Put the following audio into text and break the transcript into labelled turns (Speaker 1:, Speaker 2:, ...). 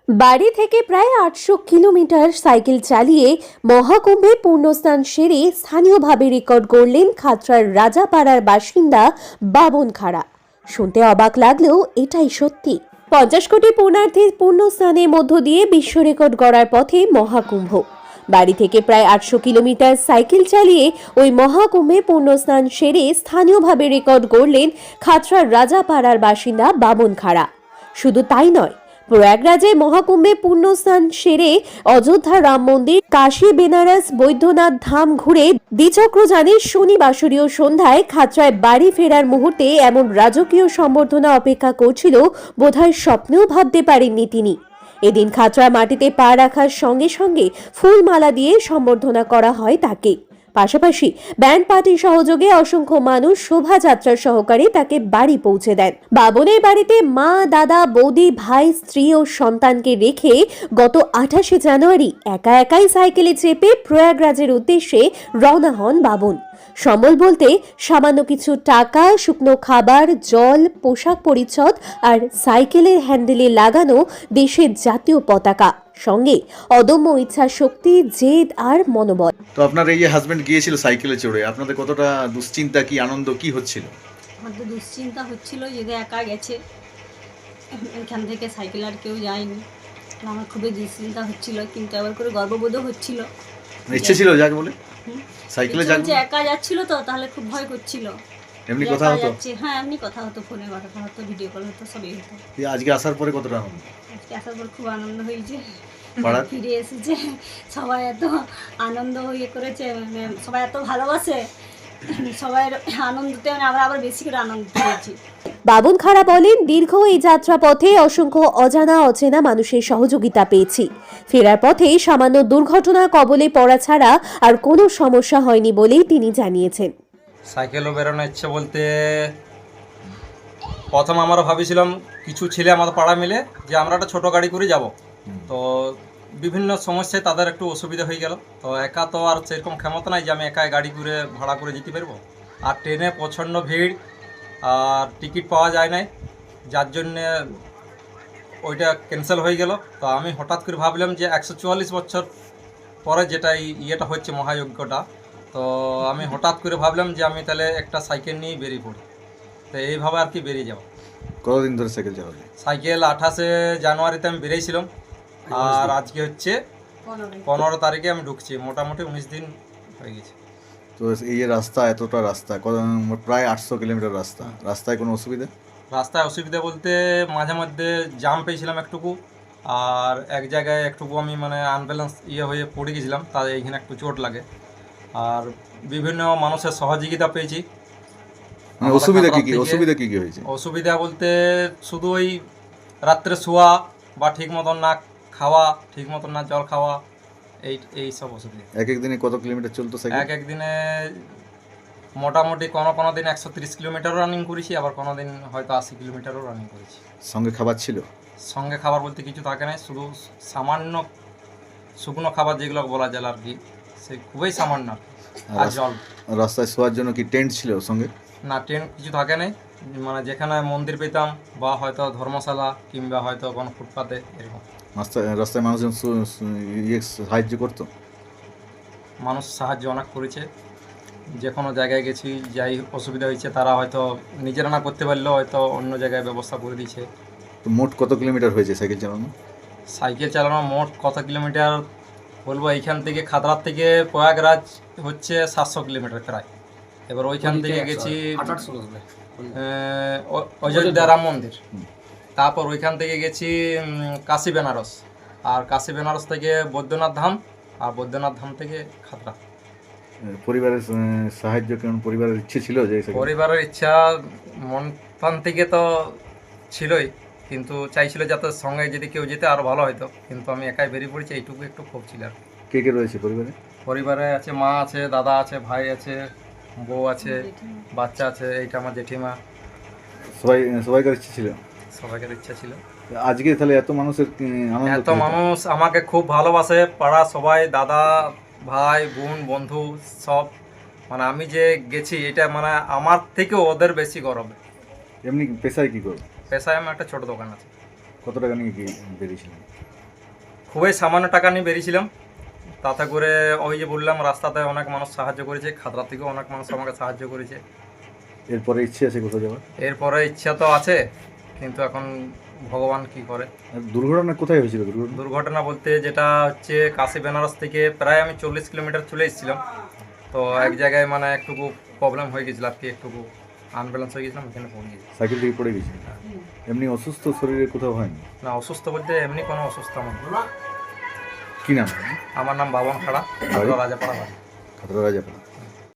Speaker 1: বাড়ি থেকে প্রায় ৮০০ কিলোমিটার সাইকেল চালিয়ে মহাকুম্ভে পুণ্যস্নান সেরে স্থানীয়ভাবে রেকর্ড গড়লেন খাতড়ার রাজাপাড়ার বাসিন্দা বাবন খাড়া। শুনতে অবাক লাগলেও এটাই সত্যি। ৫০ কোটি পুণ্যার্থীর পুণ্যস্নানের মধ্য দিয়ে বিশ্ব রেকর্ড গড়ার পথে মহাকুম্ভ। বাড়ি থেকে প্রায় ৮০০ কিলোমিটার সাইকেল চালিয়ে ওই মহাকুম্ভে পুণ্যস্নান সেরে স্থানীয়ভাবে রেকর্ড গড়লেন খাতড়ার রাজাপাড়ার বাসিন্দা বাবন খাড়া। শুধু তাই নয়, প্রয়াগরাজে মহাকুম্ভে পুণ্যস্নান সেরে অযোধ্যা রাম মন্দির, কাশী বেনারস বৈদ্যনাথ ধাম ঘুরে দ্বিচক্রযানে শনিবাসরীয় সন্ধ্যায় খাতড়ায় বাড়ি ফেরার মুহূর্তে এমন রাজকীয় সম্বর্ধনা অপেক্ষা করছিল বোধহয় স্বপ্নেও ভাবতে পারেননি তিনি। এদিন খাতড়া মাটিতে পা রাখার সঙ্গে সঙ্গে ফুলমালা দিয়ে সম্বর্ধনা করা হয় তাকে। পাশাপাশি ব্যান্ড পার্টির সহযোগে অসংখ্য মানুষ শোভাযাত্রার সহকারে তাকে বাড়ি পৌঁছে দেন। বাবনের বাড়িতে মা, দাদা, বৌদি, ভাই, স্ত্রী ও সন্তানকে রেখে গত ২৮শে জানুয়ারি একা একাই সাইকেলে চেপে প্রয়াগরাজের উদ্দেশ্যে রওনা হন বাবন। সম্বল বলতে সামান্য কিছু টাকা, শুকনো খাবার, জল, পোশাক পরিচ্ছদ আর সাইকেলের হ্যান্ডেলে লাগানো দেশের জাতীয় পতাকা, সঙ্গে অদম্য ইচ্ছা শক্তি, জেদ আর মনোবল।
Speaker 2: তো আপনার এই যে হাজবেন্ড গিয়েছিল সাইকেলে চড়ে, আপনাদের কতটা দুশ্চিন্তা, কি আনন্দ, কি হচ্ছিল?
Speaker 3: আমার তো দুশ্চিন্তা হচ্ছিল, যদি একা গেছে, এখান থেকে সাইকেল আর কেউ যায়নি, আমার খুবই দুশ্চিন্তা হচ্ছিল, কিন্তু আবার করে গর্ববোধও হচ্ছিল।
Speaker 2: ইচ্ছে ছিল যাক বলে সাইকেলে যাক,
Speaker 3: একা যাচ্ছিল তো, তাহলে খুব ভয় করছিল।
Speaker 2: এমনি কথা হতো?
Speaker 3: হ্যাঁ, এমনি কথা হতো, ফোনে কথা হতো, ভিডিও কল হতো, সবই হতো।
Speaker 2: আজকে আসার পরে কতটা আনন্দ?
Speaker 3: আজকে আসার পর খুব আনন্দ হয়েছে,
Speaker 2: পাড়ার
Speaker 3: ফিরে এসেছে, সবাই এত আনন্দ হয়ে করেছে, মানে সবাই এত ভালোবাসে, সবাই আনন্দতে মানে আমরা আবার বেশি করে আনন্দ পেয়েছি।
Speaker 1: বাবন খাড়া বলেন, দীর্ঘ এই যাত্রা পথে অসংখ্য অজানা অচেনা মানুষের সহযোগিতা পেয়েছি। ফেরার পথে সামান্য দুর্ঘটনা কবলে পড়া ছাড়া আর কোনো সমস্যা হয়নি বলেই তিনি জানিয়েছেন।
Speaker 4: সাইকেলও বেরোনোর ইচ্ছে বলতে প্রথম আমরা ভাবিছিলাম কিছু ছেলে আমাদের পাড়া মিলে যে আমরা একটা ছোটো গাড়ি করে যাব, তো বিভিন্ন সমস্যায় তাদের একটু অসুবিধা হয়ে গেল। তো একা তো আর সেরকম ক্ষমতা নাই যে আমি একাই গাড়ি করে ভাড়া করে যেতে পারবো, আর ট্রেনে প্রচণ্ড ভিড় আর টিকিট পাওয়া যায় নাই, যার জন্যে ওইটা ক্যান্সেল হয়ে গেল। তো আমি হঠাৎ করে ভাবলাম যে ১৪৪ বছর পরে যেটা ইয়েটা হচ্ছে মহাযজ্ঞটা, তো আমি হঠাৎ করে ভাবলাম যে আমি তাহলে একটা সাইকেল নিয়েই বেরিয়ে পড়ি। তো এইভাবে আর কি বেরিয়ে যাও।
Speaker 2: কতদিন ধরে সাইকেল চালালেন?
Speaker 4: সাইকেল ২৮শে জানুয়ারিতে আমি বেরিয়েছিলাম, আর আজকে হচ্ছে ১৫ তারিখে আমি ঢুকছি, মোটামুটি ১৯ দিন হয়ে গেছে।
Speaker 2: তো এই যে রাস্তা, এতটা রাস্তা, প্রায় ৮০০ কিলোমিটার রাস্তা, রাস্তায় কোনো অসুবিধা?
Speaker 4: রাস্তায় অসুবিধা বলতে মাঝে মধ্যে জাম পেয়েছিলাম একটুকু, আর এক জায়গায় একটুকু আমি মানে আনব্যালেন্স হয়ে পড়ে গেছিলাম, তার এইখানে একটু চোট লাগে। আর বিভিন্ন মানুষের সহযোগিতা পেয়েছি।
Speaker 2: অসুবিধা কি কি হয়েছে?
Speaker 4: অসুবিধা বলতে শুধু ওই রাত্রে শোয়া বা ঠিক মতন না খাওয়া, ঠিক মতন না জল খাওয়া, এই সব অসুবিধা।
Speaker 2: এক দিনে কত কিলোমিটার চলতো সাইকেল?
Speaker 4: এক দিনে মোটামুটি কোনো দিন ১৩০ কিলোমিটারও রানিং করেছি, আবার কোনো দিন হয়তো ৮০ কিলোমিটারও রানিং করেছি।
Speaker 2: সঙ্গে খাবার ছিল?
Speaker 4: সঙ্গে খাবার বলতে কিছু থাকে না, শুধু সামান্য শুকনো খাবার যেগুলো বলা যায় আর কি, সে খুবই সামান্য, আর জল।
Speaker 2: রাস্তায় শোয়ার জন্য কি টেন্ট ছিল সঙ্গে?
Speaker 4: না, টেন্ট কিছু থাকে নাই, মানে যেখানে মন্দির পেতাম বা হয়তো ধর্মশালা কিংবা হয়তো কোনো ফুটপাতে এরকম।
Speaker 2: রাস্তায় মানুষজন সাহায্য করতো?
Speaker 4: মানুষ সাহায্য অনেক করেছে, যে কোনো জায়গায় গেছি, যাই অসুবিধা হয়েছে তারা হয়তো নিজেরা না করতে পারলেও হয়তো অন্য জায়গায় ব্যবস্থা করে দিয়েছে।
Speaker 2: তো মোট কত কিলোমিটার হয়েছে সাইকেল চালানো?
Speaker 4: সাইকেল চালানো মোট কত কিলোমিটার বলবো, এইখান থেকে খাতড়ার থেকে প্রয়াগরাজ হচ্ছে ৭০০ কিলোমিটার প্রায়। এবার ওইখান থেকে গেছি অযোধ্যা রাম মন্দির, তারপর ওইখান থেকে গেছি কাশী বেনারস, আর কাশী বেনারস থেকে বৈদ্যনাথ ধাম, আর বৈদ্যনাথ ধাম থেকে খাতড়া।
Speaker 2: পরিবারের সাহায্য কেমন? পরিবারের ইচ্ছে ছিল যে?
Speaker 4: পরিবারের ইচ্ছা মন প্রাণ থেকে তো ছিলই, কিন্তু চাইছিল যাতে সঙ্গে যদি কেউ যেতে আরও ভালো হতো, কিন্তু আমি একাই বেরিয়ে পড়েছি, এইটুকু একটু ক্ষোভ ছিল। আর
Speaker 2: কে কে রয়েছে পরিবারে?
Speaker 4: পরিবারে আছে মা আছে, দাদা আছে, ভাই আছে, বউ আছে, বাচ্চা আছে, এইটা আমার জেঠিমা।
Speaker 2: সবাইকার ইচ্ছে ছিল?
Speaker 4: সবাইকার ইচ্ছা ছিল।
Speaker 2: আজকে তাহলে এত মানুষের
Speaker 4: এত মানুষ আমাকে খুব ভালোবাসে, পাড়া সবাই, দাদা, ভাই, বোন, বন্ধু সব, মানে আমি যে গেছি এটা মানে আমার থেকেও ওদের বেশি গর্ব।
Speaker 2: এমনি পেশায় কি করো?
Speaker 4: পেশায় আমার একটা ছোট দোকান আছে।
Speaker 2: কত টাকা নিয়ে কি বেরিয়েছিলেন?
Speaker 4: খুবই সামান্য টাকা নিয়ে বেরিয়েছিলাম, তাতে করে ওই যে বললাম রাস্তাতে অনেক মানুষ সাহায্য করেছে, খাতড়া থেকেও অনেক মানুষ আমাকে সাহায্য করেছে।
Speaker 2: এরপরে ইচ্ছে আছে কোথাও যাওয়ার?
Speaker 4: এরপরে ইচ্ছা তো আছে, কিন্তু এখন ভগবান কি করে।
Speaker 2: আর দুর্ঘটনা কোথায় হয়েছিল? দুর্ঘটনা
Speaker 4: দুর্ঘটনা বলতে যেটা হচ্ছে কাশি বেনারস থেকে প্রায় আমি 40 কিলোমিটার চলে এসেছিলাম। তো এক জায়গায় মানে একটুকু প্রবলেম হয়ে গেছিল আর কি, একটুকু আনব্যালেন্স হয়ে গেছিলাম, এখানে পড়ে গেছি।
Speaker 2: সাইকেল থেকে পড়ে গেছিল? এমনি অসুস্থ শরীরে কোথাও হয়নি?
Speaker 4: না, অসুস্থ বলতে এমনি কোনো অসুস্থ আমার না।
Speaker 2: কি নাম?
Speaker 4: আমার নাম বাবন খাড়া, রাজাপাড়া বাড়ি।
Speaker 2: খাতড়া রাজাপাড়া।